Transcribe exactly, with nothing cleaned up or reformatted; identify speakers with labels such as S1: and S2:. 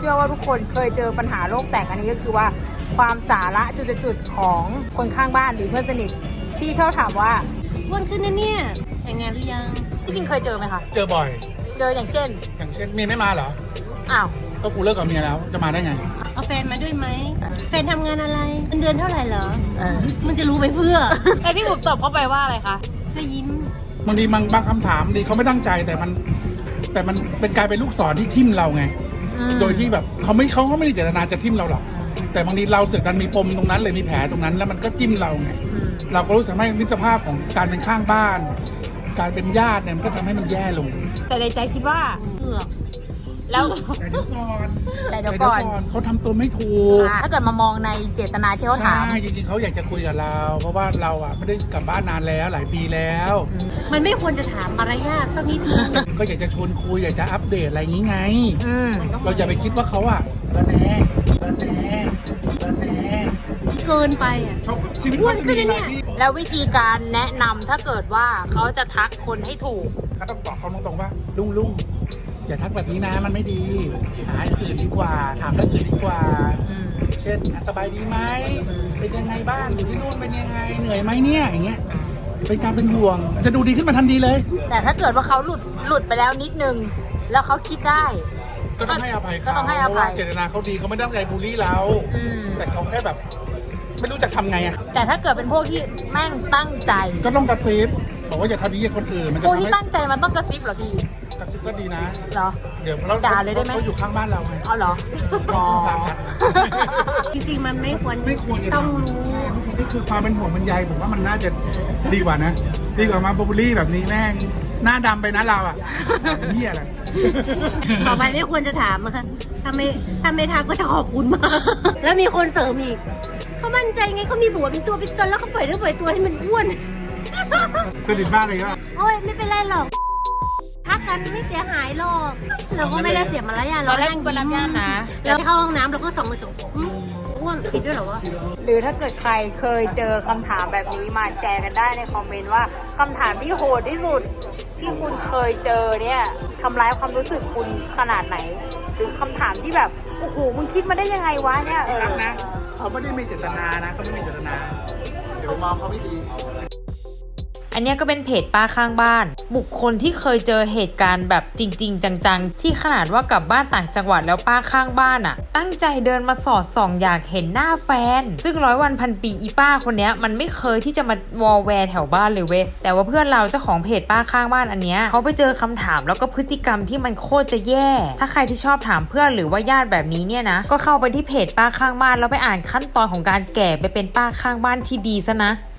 S1: ชื่อว่าทุกคนเคยเจอปัญหาโลกแตกอันนี้ก็คือว่าความสาระจุดๆของคนข้างบ้านหรือเพื่อนสนิทที่ชอบถามว่า
S2: อ้วนขึ้นนะเนี่ยแต่งงานหรือยัง
S1: ที่จริงเคยเจอไหมคะ
S3: เจอบ่อย
S1: เจออย่างเช่น
S3: อย่างเช่นเมียไม่มาเหรอ
S1: อ้าว
S3: ก็กูเลิกกับเมียแล้วจะมาได้ไง
S2: เอาแฟนมาด้วยไหมแฟนทำงานอะไรเงินเดือนเท่าไหร่เหรอ
S1: เออ
S2: มันจะรู้ไปเพื่อ
S1: ไอพี่บุ๋มตอบเข้าไปว่าอะไรคะ
S2: ก็ยิ้ม
S3: บางทีบางบางคำถามดีเขาไม่ตั้งใจแต่มัน แต่มันเป็นกลายเป็นลูกศรที่ทิ่มเราไง
S1: อืม
S3: โดยที่แบบเขาไม่เขาก็ไม่ได้เจตนาจะทิ่มเราหรอก แต่บางทีเราเสือกดันมีปมตรงนั้นเลยมีแผลตรงนั้น แล้วมันก็จิ้มเราไง
S1: อืม
S3: เราก็รู้สึกให้มิตรภาพของการเป็นข้างบ้าน การเป็นญาติเนี่ยมันก็ทำให้มันแย่ลง
S1: แต่ในใจคิดว่า
S2: เผือก
S1: แล้ว
S3: แต่เดี๋ยวก่อน
S1: แต่เดี๋ยวก่อน
S3: เขาทำตัวไม่ถูก
S1: อ่าถ้าเกิดมามองในเจตนาที่เขาถาม
S3: ใช่จริงๆเขาอยากจะคุยกับเรา เพราะว่าเราอ่ะไม่ได้กลับบ้านนานแล้วหลายปีแล้ว
S2: มันไม่ควรจะถามมารยาทสักนิดนึง
S3: ก็อยากจะชวนคุยอยากจะอัปเดตอะไรอย่างนี้ไง
S1: อืม
S3: เราอย่าไปคิดว่าเขาอ่ะระแน่ระแน่ระแน่
S2: เกินไปอ่ะ
S3: เขาชีวิต
S2: อ้ว
S3: เขา
S2: น
S3: จะ
S2: ขึ้น
S3: มี
S2: นะ
S3: อะไร
S2: เนี่ย
S3: ที่
S1: แล้ววิธีการแนะนำถ้าเกิดว่าเขาจะทักคนให้ถูก
S3: เขาต้องบอกเขาตรงๆว่าลุงลุงอย่าทักแบบนี้นะมันไม่ดีหาอย่างอื่นดีกว่า ถามเรื่องอื่นดีกว่า
S1: อืม
S3: เช่นสบายดีไหมเป็นยังไงบ้างอยู่ที่นู่นเป็นยังไงเหนื่อยไหมเนี่ยอย่างเงี้ยเป็นการเป็นห่วงจะดูดีขึ้นมาทันทีเลย
S1: แต่ถ้าเกิดว่าเขาหลุดหลุดไปแล้วนิดนึง แล้วเขาคิดได้
S3: ก็ต้องให้อภัย
S1: ก็
S3: เขา
S1: ต้องให้อ
S3: เพราะ
S1: ภั
S3: ว่าย เจตนาเขาดีเขาไม่ได้ตั้งใจบูลลี่เรา
S1: อืม
S3: แต่เขาแค่แบบ ไม่รู้จะทำไงอ่ะ
S1: แต่ถ้าเกิดเป็นพวกที่แม่งตั้งใจ
S3: ก็ต้องกระซิบบอกว่าอย่าทำดีกับคนอื่นมันจะ
S1: พวก
S3: ทำ
S1: ที่
S3: ให้
S1: ตั้งใจมันต้องกระซิบเหรอพี่
S3: กระซิบก็ดีนะ
S1: เหรอ
S3: เดี๋ยวเรา
S1: ด่าเลยได้ไหม
S3: เขาอยู่ข้างบ้านเราไง
S1: เอาเหรออ๋อ
S2: จริงๆมันไม่ควร
S3: ไม่ควรจะ
S2: ต้อง
S3: ทำ
S2: รู้
S3: นี่คือความเป็นห่วงเป็นใยผมว่ามันน่าจะดีกว่านะ ดีกว่ามาบูลลี่แบบนี้แม่งหน้าดำไปนะเราอ่ะเหี้ยอะไร
S2: ต่อไปไม่ควรจะถามอะค่ะถ้าไม่ถ้าไม่ทักก็จะขอบคุณมาก แล้วมีคนเสริมอีกเขามั่นใจไงเขามีผัวเป็นตัวเป็นตนแล้วเขาปล่อยเนื้อปล่อยตัวให้มันอ้วน
S3: สนิทมากเลยก็
S2: โอ้ยไม่เป็นไรหรอกทักกันไม่เสียหายหรอกเราก็ไม่ได้เสียมารยาท
S1: เราได้
S2: นั่ง
S1: กุญแจญาตินะ
S2: แล้วเข้าห้องน้ำเราก็ส่องกระจกอืมอ้วนผิดด้วยเหรอวะ
S1: หรือถ้าเกิดใครเคยเจอคำถามแบบนี้มาแชร์กันได้ในคอมเมนต์ว่าคำถามที่โหดที่สุดที่คุณเคยเจอเนี่ยทำร้ายความรู้สึกคุณขนาดไหน หรือคำถามที่แบบโอ้โหมึงคิดมาได้ยังไงวะเนี่ยเออ
S3: รักนะเขาไม่ได้มีเจตนานะเขาไม่มีเจตนาเดี๋ยวไปมองเขาไม่ดี
S4: อันเนี้ยก็เป็นเพจป้าข้างบ้าน บุคคลที่เคยเจอเหตุการณ์แบบจริงๆจังๆที่ขนาดว่ากลับบ้านต่างจังหวัดแล้วป้าข้างบ้านอ่ะตั้งใจเดินมาสอดส่องอยากเห็นหน้าแฟนซึ่งร้อยวันพันปีอีป้าคนเนี้ยมันไม่เคยที่จะมาวอลแวร์แถวบ้านเลยเว้ยแต่ว่าเพื่อนเราเจ้าของเพจป้าข้างบ้านอันเนี้ยเขาไปเจอคำถามแล้วก็พฤติกรรมที่มันโคตรจะแย่ถ้าใครที่ชอบถามเพื่อนหรือว่าญาติแบบนี้เนี่ยนะก็เข้าไปที่เพจป้าข้างบ้านแล้วไปอ่านขั้นตอนของการแก่ไปเป็นป้าข้างบ้านที่ดีซะนะ